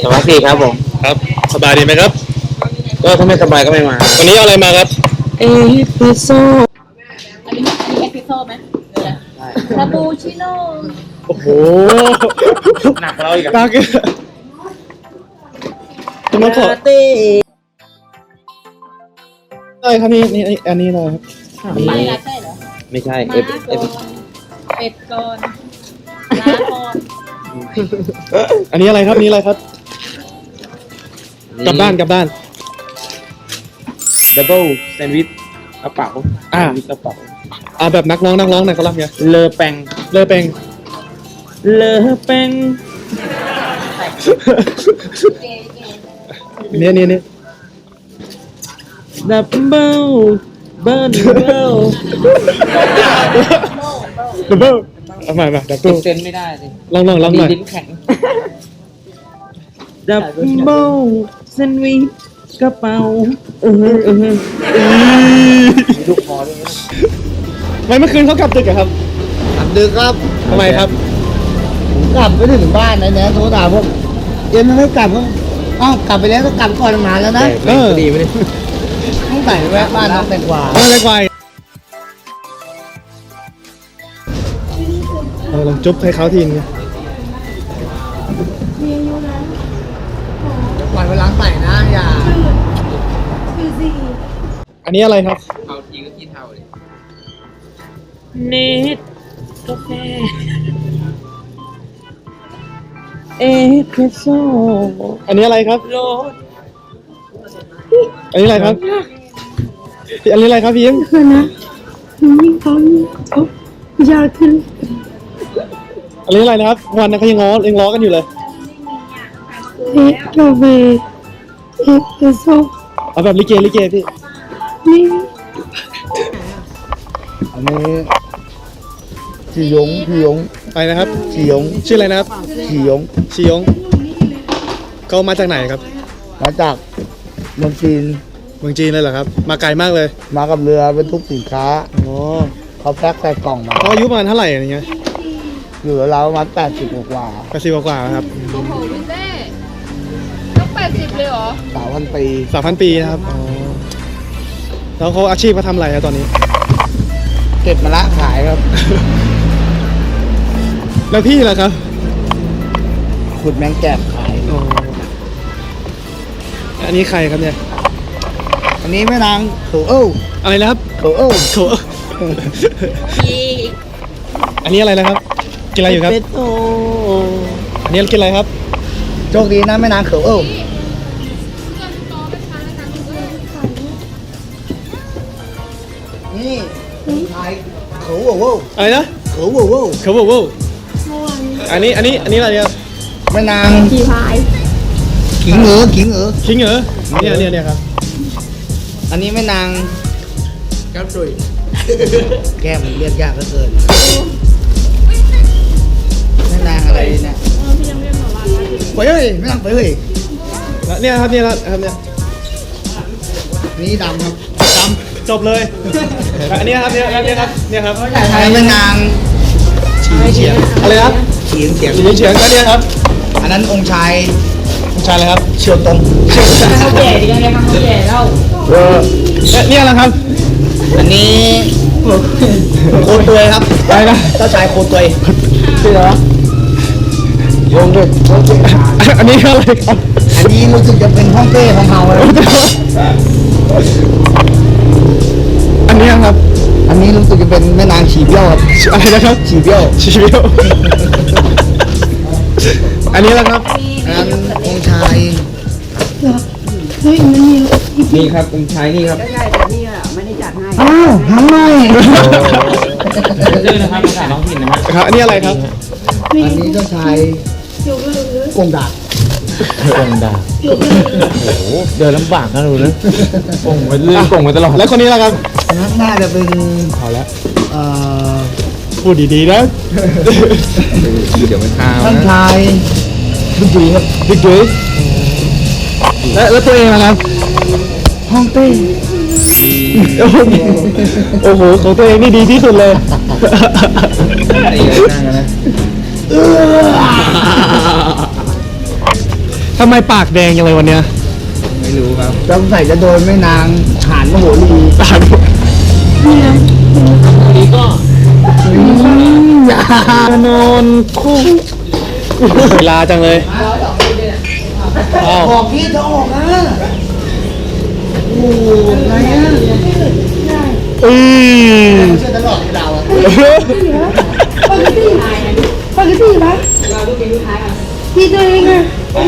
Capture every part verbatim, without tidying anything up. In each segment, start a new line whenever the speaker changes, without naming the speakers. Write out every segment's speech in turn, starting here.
วัสดีครับผม
ครับสบายดีไหมครับ
ก็ถ้าไม่สบายก็ไม่มา
วันนี้เอาอะไรมาครับ
เอสเปรสโซ่
อันนี้อันนี้เอสเปรสโซ่ไหมหรืออะไรคาปูชิโน่
โอ้โห
หนักเราอีกอ่ะ
ตาเกคุณน้องขอ
ตี
ได้ครับนี่นี่อันนี้เลยครับ
ไปละใช่เหรอ
ไม่ใช่เอ
ม้า
ฟเอฟ
ก่อนเป็ดก่อนม้าก่อน
อันนี้อะไรครับนี่อะไรครับกลับบ้านกลับบ้าน
ดับเบิลแซนด์วิชกระเป๋า
อ่า
กระเป๋า
อ่าแบบนักร้องนักร้องหน่อยเขารับไง
เลอแปง
เลอเปง
เลอแปง
นี่นี่นี่
ดับเบิลเบิร์นเบิล
ดับเบิลเอาใหม่มาดับเบิล
เซ็นไม่ได้สิ
ลองลองลองหน่อย
ลิ้นแข็งดับเบิลแซนด์วิชกระเป๋าเออเออมีลูกคอด้วย
ไม่เมื่อคืนเขากลับดึกอะครับ
กลับดึกครับ
ทำไมครับ
ผมกลับไปถึงบ้านนะเนี่ยโทรถามผมเอ็มไม่กลับก็อ้าวกลับไปแล้วก็กลับก่อนมาแล้วนะ
เออดีไหมเนี่ย
ต้องใส่แวะบ้านน้องแตงกวา
ไม่ได้ไกวเออลองจุ๊บให้เขาทีนึง
ปล่อยเวลาใส่นะอย่า
อันนี้อะไรครับ
เอาทีก็กินเท่าเลยเนตกาแฟเอสเปรสโซ่
อันนี้อะไรครับ
โรส
อันนี้อะไรครับอันนี้อะไรครับพี่ยิ้ม
คือนะยิ่งเขาเขายากขึ้น
อันนี้อะไรนะครับวันนั้นเขายังง้อยังล้อกันอยู่เลย
เอสกาแฟเอสเปรสโซ่
เอาแบบลิเกลิเกพี่
นี่
อันนี้ชียงชียง
อะไรนะครับ
ชียง
ชื่ออะไรนะครับ
ชียง
ชียงเขามาจากไหนครับ
มาจากเมืองจีน
เมืองจีนเลยเหรอครับมาไกลมากเลย
มากับเรือบรรทุกสินค้า
อ๋อ
เขาแพ็คใส่กล่องมา
เขาอายุประมาณเท่าไหร่อย่างเงี้ย
อยู่แล้วประมาณแปดสิบกว่า
แปดสิบกว่าครับ
โอ้โหพี่เต้ต้องแปดสิบเลยเหรอ
สามพันปี
สามพันปีนะครับอ๋อแล้วเขาอาชีพเขาทำอะไรครับตอนนี้
เก็บมะละขายครับ
แล้วพี่ล่ะครับ
ขุดแมงแกบขาย
อ๋ออันนี้ใครครับเนี่ย
อันนี้แม่นางโถเอ้า
อะไรนะครับ
โถเอ้า
โถอันนี้อะไรนะครับกินอะไรอยู่ครับอันนี้กินอะไรครับ
โชคดีนะแม่นางเขอเอ้านี่ขายเขอว้าว
อะไรนะ
เขอว้าว
เขอว้าวอันนี้อันนี้อันนี้อะไรเนี่ย
แม่นาง
ขี่พาย
ขิงเหรอขิงเหรอ
ขิงเหรอเนี่ยเนี่ยเนี่ยครับ
อันนี้แม่นางแก้มดุยแก้มเรียกยากเหลือเกินแม่นางอะไรเนี่ยไปเฮ้ยแม่นางไปเฮ้ย
เนี่ยครับเนี่ยครับเนี่ย
นี่ดำครับ
ดำจบเลยอันนี้ครับเนี่ยเนี่ยครับเนี่ยครับ
อันนี้แม่นาง
ฉีเฉียงอะไรครับ
ฉีเฉียง
ฉีเฉียงก็เนี่ยครับ
อันนั้นองค์ชาย
องค์ชายอะไรครับ
เชียวตง
เชียวตง
เขาแก่ดีกันเลยครับเขาแก่แล้ว
เออเนี่ยอะไรครับ
อันนี้โคตรวยครับ
อะไรนะ
เจ้าชายโคตรวยชื่ออะไรวะโยงด้วย
อันนี้อะไรครับ
อันนี้รู้สึกจะเป็นห้องเต้ของเฮาเลย
อันนี้ครับ
อันนี้รู้สึกจะเป็นแม่นางฉีเบี้ยวครับ
อะไรนะครับ
ฉีเบี้ยว
ฉีเบี้ยวอันนี้แหละครับ
อันนั้นองค์ชาย
เฮ้ยมันมี
นี่ครับองค์ชายนี่ครับ
ได้แต่นี่อ่ะไม่ได้จัดให้
อ้าวทำไม
ชื่อนะครับภาษาท้องถิ่นนะครับ
อันนี้อะไรครับ
อันนี้เจ้าชายกงดาบ
กงดาบโอ้โหเดินลำบากนะดูนะกงไปเรื่อยกงไปตลอด
แล้วคนนี้ล่ะครับ
น่าจะเป็น
เอาละ
เอ่อ
พูดดีๆนะ
เดี๋ยวมันทา
ท่านชายบิ๊กจุ๋ยครับ
บิ๊กจุ๋ยแล้วตัวเองนะครับ
ห้องเต้
โอ้โหของตัวเองนี่ดีที่สุดเลย
นั่งนะ
ทำไมปากแดงยังเลยวันเนี้ย
ไม่รู้ครับสงสัยจะโดนแม่นางหานมโหรี
ตาดู
อย่าน
อนคู่เวลาจังเลยอ้าว
ออกพี่จะออกนะโอ้ไงอ่ะ
อืม
เชื่อตลอดที่เราอ่ะ
ปกติปกติปะพี่ตัวเองอะ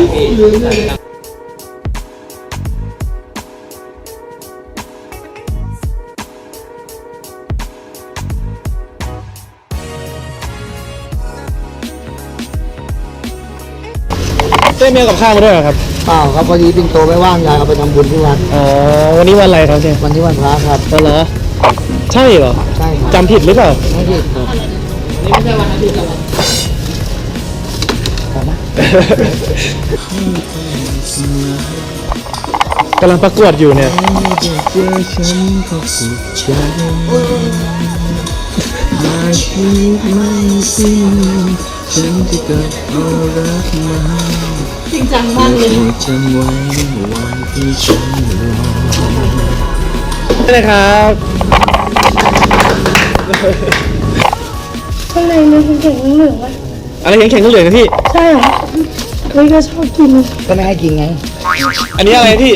เต้เมียกับข้าวมาด้วยเหรอครับ
เปล่าครับพอดีปิ่นโตไม่ว่างยายเอาไปทำบุญที่วัด
อ๋อวันนี้วันอะไรครับเนี่ย
วันที่วันพระครับ
อ๋อเหรอใช่เหรอ
ใช่ครับ
จำผิดหรือเปล่า
ไม่ผิดครับ
กำลังประกวดอยู่เนี่ย
จริงจังมากเลย
นี่เลยครับ
ข้างในมันเป็นแข็งเหลืองๆอะ
อะไรแข็งๆเหลืองๆนะพี่
ใช่เหรอเฮ้ยก็ชอบกิน
ก็ไม่ให้กินไง
อันนี้อะไรพี่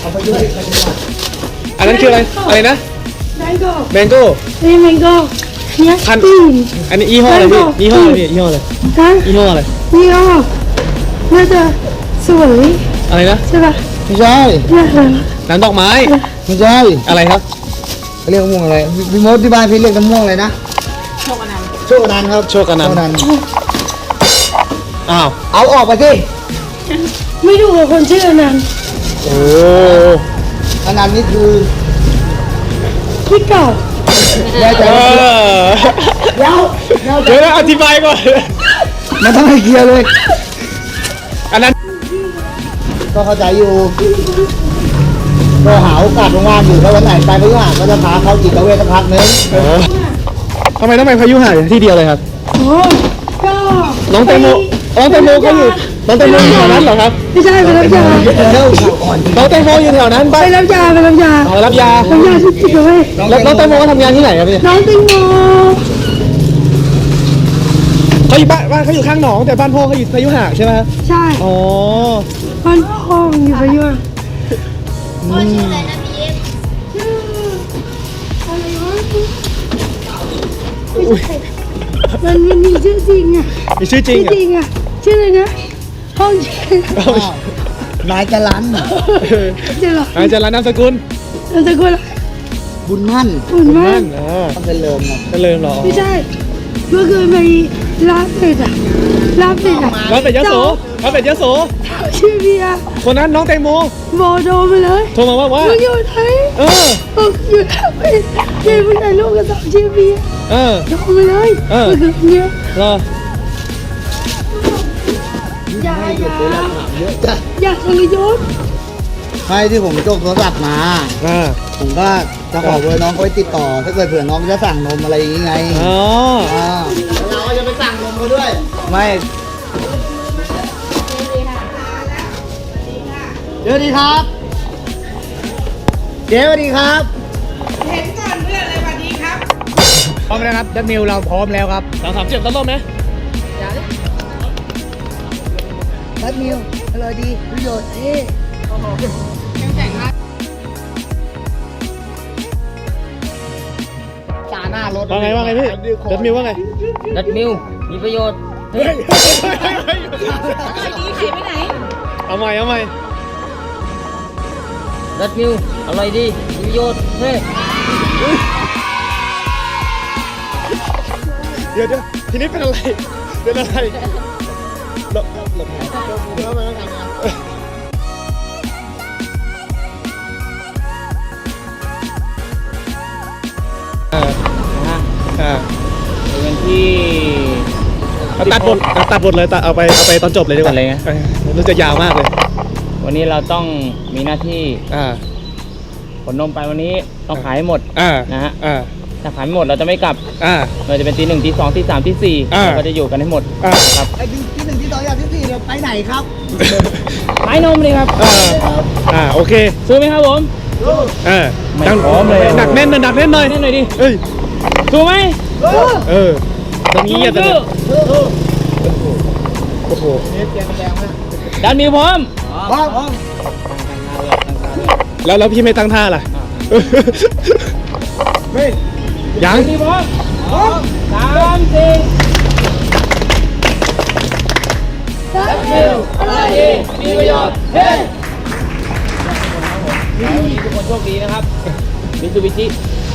อันนั้นคืออะไรอะไรนะ
แมงโก้
แมงโก้
นี่แมงโก้เนี่ย
พัน
ตีน
อันนี้ยี่ห้ออะไรพี่ยี่ห้ออะไรพี่ยี่ห้ออะไร
ฮะ
ยี่ห้ออะไร
นี่ก็น่าจะสวย
อะไรนะ
ใช่ปะ
ไม่ใช่
เนี่ยเหรอ
น้ำดอกไม้
ไม่ใช่
อะไรครับ
เขาเรียกมะม่วงอะไรพี่พี่มดที่บ้านพี่เรียกมะม่วงอะไรนะ
โชคอนันต์
โชคอนันต์ครับ
โชคอนันต์
โชคอนันต์
อ้าว
เอาออกไปสิ
ไม่ดูกับคนชื่ออนันต์
โอ้
อนันต์นี่คือ
ขี้เก่า
แย่ใจ
เอ
ว่า
อ
เดี๋ยวเดี๋ยว
เดี๋ยวนะอธิบายก่อน
มันต้องให้เคลียร์เลย
อันนั้น
ก็เข้าใจอยู่ก็หาโอกาสว่างๆอยู่ถ้าวันไหนไปพยุหะก็จะพาเขาจิตเวชสักพักนึง
เออทำไมต้องไปพายุหาที่เดียวเลยครับ
โอ้ก็
น้องแตงโมน้องแตงโมก็อยู่น้องแตงโมอยู่แถวนั้นเหรอครับ
ไม่ใช่ไปรับยา
เร็วก่อน
น้องแตงโมอยู่แถวนั้น
ไป
ไป
รับยาไปรับยา
เอารับยา
รับยาที่จิตเวช
แล้วน้องแตงโมก็ทำงานที่ไหนครับพี่
น้องแติงโม
เขาอยู่บ้านบ้านเขาอยู่ข้างหนองแต่บ้านพ่อเขาอยู่พายุหาใช่ไหมครับ
ใช่
อ๋อ
บ้านพ่ออยู่พะยุมันมันมีชื่อจริงอ่ะ
มีชื่อจริง
ชื่อ
เหรอ
จริงอ่ะชื่ออะไรนะห้องชื่อ
อ้าว
นายจรัน
จะหรอ
อาจารย์ร้านนามสกุล
นามสกุลอะไร
บุญมั่น
อุ่นมาก
อ่า
ต้องเป็นเลิมนะ
เจริญเหรอ
ไม่ใช่เมื่อคืนไปร้านเป็ดอ่ะร้านเป็ดอ่ะ
ร้านเป็ดยโสร้านเป็ดยโส
ชื่อเบียร์
คนนั้นน้องแตงโม
โบโดไปเลย
โทรมาว่าว่า
มึงอยู่ไหน
เออ
บอกอยู่แล้วไปเดี๋ยวมึงถ่ายรูปกับสาวชื่อเบียร์
เออ
โทรมาเลย
เออ
เมื่อคืนเนี้ย
รอ
อย่าอย่า
เยอะจ้ะ
อย่าทรยศ
ให้ที่ผมโจกโทรศัพท์มา
อ่า
ผมก็จะขอเบอร์น้องเขาไว้ติดต่อ ถ้าเกิดเผื่อน้องจะสั่งนมอะไรอย่างงี้ไง
อ๋อ
อ่าเราก็จะไปสั่งนมเขาด้วย ไม่เดี๋ยวดีครับ เดี๋ยวดีครับ
พร้อมแล้วครับดันมิวเราพร้อมแล้วครับสามสามเจ็ดต้นต้นไหม
แป๊บนิวอร่อยดีประโยชน์เอ๊จาหน้ารถ
ว่าไงว่าไงพี่ดันมิวว่าไง
ดัดมิวมีประโยชน์
เฮ้ย
ดีขายไปไหน
เอาใหม่เอาใหม่
ดัดมิวอร่อยดีมีประโยชน์เฮ้ย
เดี๋ยวเดี๋ยวทีนี้เป็นอะไรเป็นอะไรหลบหลบเดี๋ยวมาทำงานอ่า
นะฮะ
อ่า
เป็นที่
เอาตัดบทเอาตัดบทเลยตัดเอาไปเอาไปตอนจบเลยดีกว่า
ตัดเลยไง
เออมันจะยาวมากเลย
วันนี้เราต้องมีหน้าที่
อ่า
ขนนมไปวันนี้ต้องขายให้หมด
อ่า
นะฮะ
อ่า
ถ้าขายไม่หมดเราจะไม่กลับ
อ่า
เราจะเป็นตีหนึ่งตีสองตีสามตีสี่
อ่า
เราก็จะอยู่กันให้หมด
อ่า
ครับ
ไอ้ที่ที่หนึ่งที่สองอย่างที่สี่เนี่ยไปไหนครับ
ขายนมเลยครับ
อ่าอ่าโอเค
ซื้อไหมครับผม
เออ
ไม่
ดัง
พร้อมเลย
หนักแน่นหน่อยหนักแน่นหน่อย
แน่นหน่อยดิ
เอ้ย
ซื้อไหม
เออตรงนี้อย่าแต่
ซื้อ
โอ้โห
ดันมิวพร้อม
บ้าง
แล้วแล้วพี่ไม่ตั้งท่าล่ะไม่ยัง
ดันมิวพร้อมสามสี่ดันมิวอะไรดีมีประโยชน์เฮ้ยวันนี้ทุกคนโชคดีนะครับมิซูบิชิ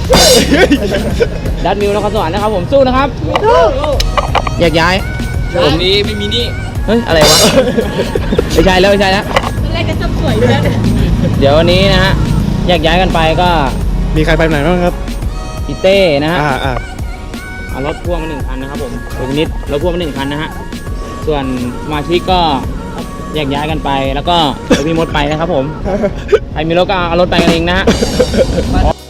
ดันมิวนครสวรรค์นะครับผมสู้นะครับแยกย้ายผมนี้ไม่มีนี่เฮ้ยอะไรวะ ไม่ใช่แล้วไม่ใช่แล้ว
แรกก็จะสวยอยู่แล้ว
เดี๋ยววันนี้นะฮะแยกย้ายกันไปก็
มีใครไปไหนบ้างครับ
พี่เต้นะฮะ
อ่าอ่า
เอารถพ่วงมาหนึ่งคันนะครับผมโอนิดรถพ่วงมาหนึ่งคันนะฮะส่วนสมาชิกก็แยกย้ายกันไปแล้วก็เดี๋ยวพี่มดไปนะครับผมใครมีรถก็เอารถไปกันเองนะฮะ